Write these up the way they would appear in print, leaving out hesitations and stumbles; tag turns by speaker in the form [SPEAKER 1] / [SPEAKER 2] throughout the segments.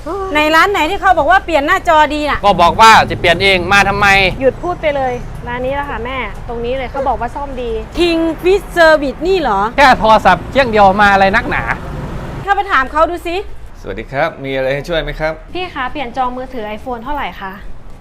[SPEAKER 1] ในร้านไหนที่เขาบอกว่าเปลี่ยนหน้าจอดีน่ะ
[SPEAKER 2] ก็บอกว่าจะเปลี่ยนเองมาทำไม
[SPEAKER 3] หยุดพูดไปเลยร้านนี้แหละค่ะแม่ตรงนี้เลยเขาบอกว่าซ่อมดี
[SPEAKER 1] King Fish Service นี่เหรอ
[SPEAKER 2] แค่โทรศัพท์เครื่องเดียวมาอะไรนักหนา
[SPEAKER 1] เข้าไปถามเขาดูสิ
[SPEAKER 4] สวัสดีครับมีอะไรให้ช่วยไหมครับ
[SPEAKER 3] พี่คะเปลี่ยนจองมือถือ iPhone เท่าไหร่คะ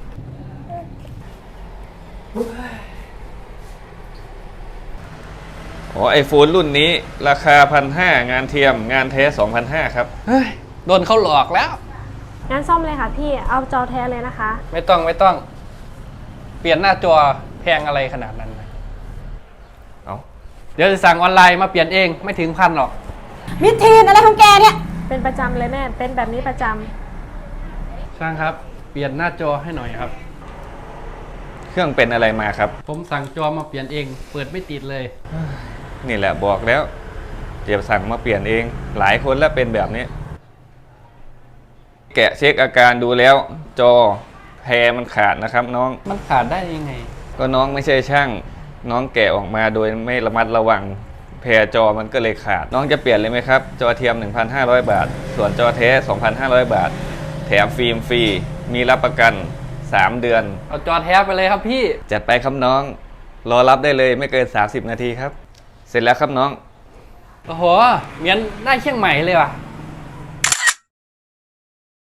[SPEAKER 4] ไอโฟนรุ่นนี้ราคา1,500งานเทียมงานแท้2,500ครับ
[SPEAKER 2] เฮ้ยโดนเขาหลอกแล้ว
[SPEAKER 3] งั้นซ่อมเลยค่ะพี่เอาจอแท้เลยนะคะ
[SPEAKER 2] ไม่ต้องเปลี่ยนหน้าจอแพงอะไรขนาดนั้น
[SPEAKER 4] เอา
[SPEAKER 2] เดี๋ยวจะสั่งออนไลน์มาเปลี่ยนเองไม่ถึง1,000หรอก
[SPEAKER 1] มิทีนอะไรของแกเนี่ย
[SPEAKER 3] เป็นประจำเลยแม่เป็นแบบนี้ประจำ
[SPEAKER 2] ช่างครับเปลี่ยนหน้าจอให้หน่อยครับ
[SPEAKER 4] เครื่องเป็นอะไรมาครับ
[SPEAKER 2] ผมสั่งจอมาเปลี่ยนเองเปิดไม่ติดเลย
[SPEAKER 4] นี่แหละบอกแล้วเดี๋ยวสั่งมาเปลี่ยนเองหลายคนแล้วเป็นแบบนี้แกะเช็คอาการดูแล้วจอแพรมันขาดนะครับน้อง
[SPEAKER 2] มันขาดได้ยังไง
[SPEAKER 4] ก็น้องไม่ใช่ช่างน้องแกะออกมาโดยไม่ระมัดระวังแพรจอมันก็เลยขาดน้องจะเปลี่ยนเลยไหมครับจอเทียม 1,500 บาทส่วนจอแท้ 2,500 บาทแถมฟิล์มฟรีมีรับประกัน3 เดือน
[SPEAKER 2] เอาจอแท้ไปเลยครับพี่
[SPEAKER 4] จัดไปครับน้องรอรับได้เลยไม่เกิน30 นาทีครับเสร็จแล้วครับน้อง
[SPEAKER 2] โอ้โหเหมือนได้เชียงใหม่เลยว่ะ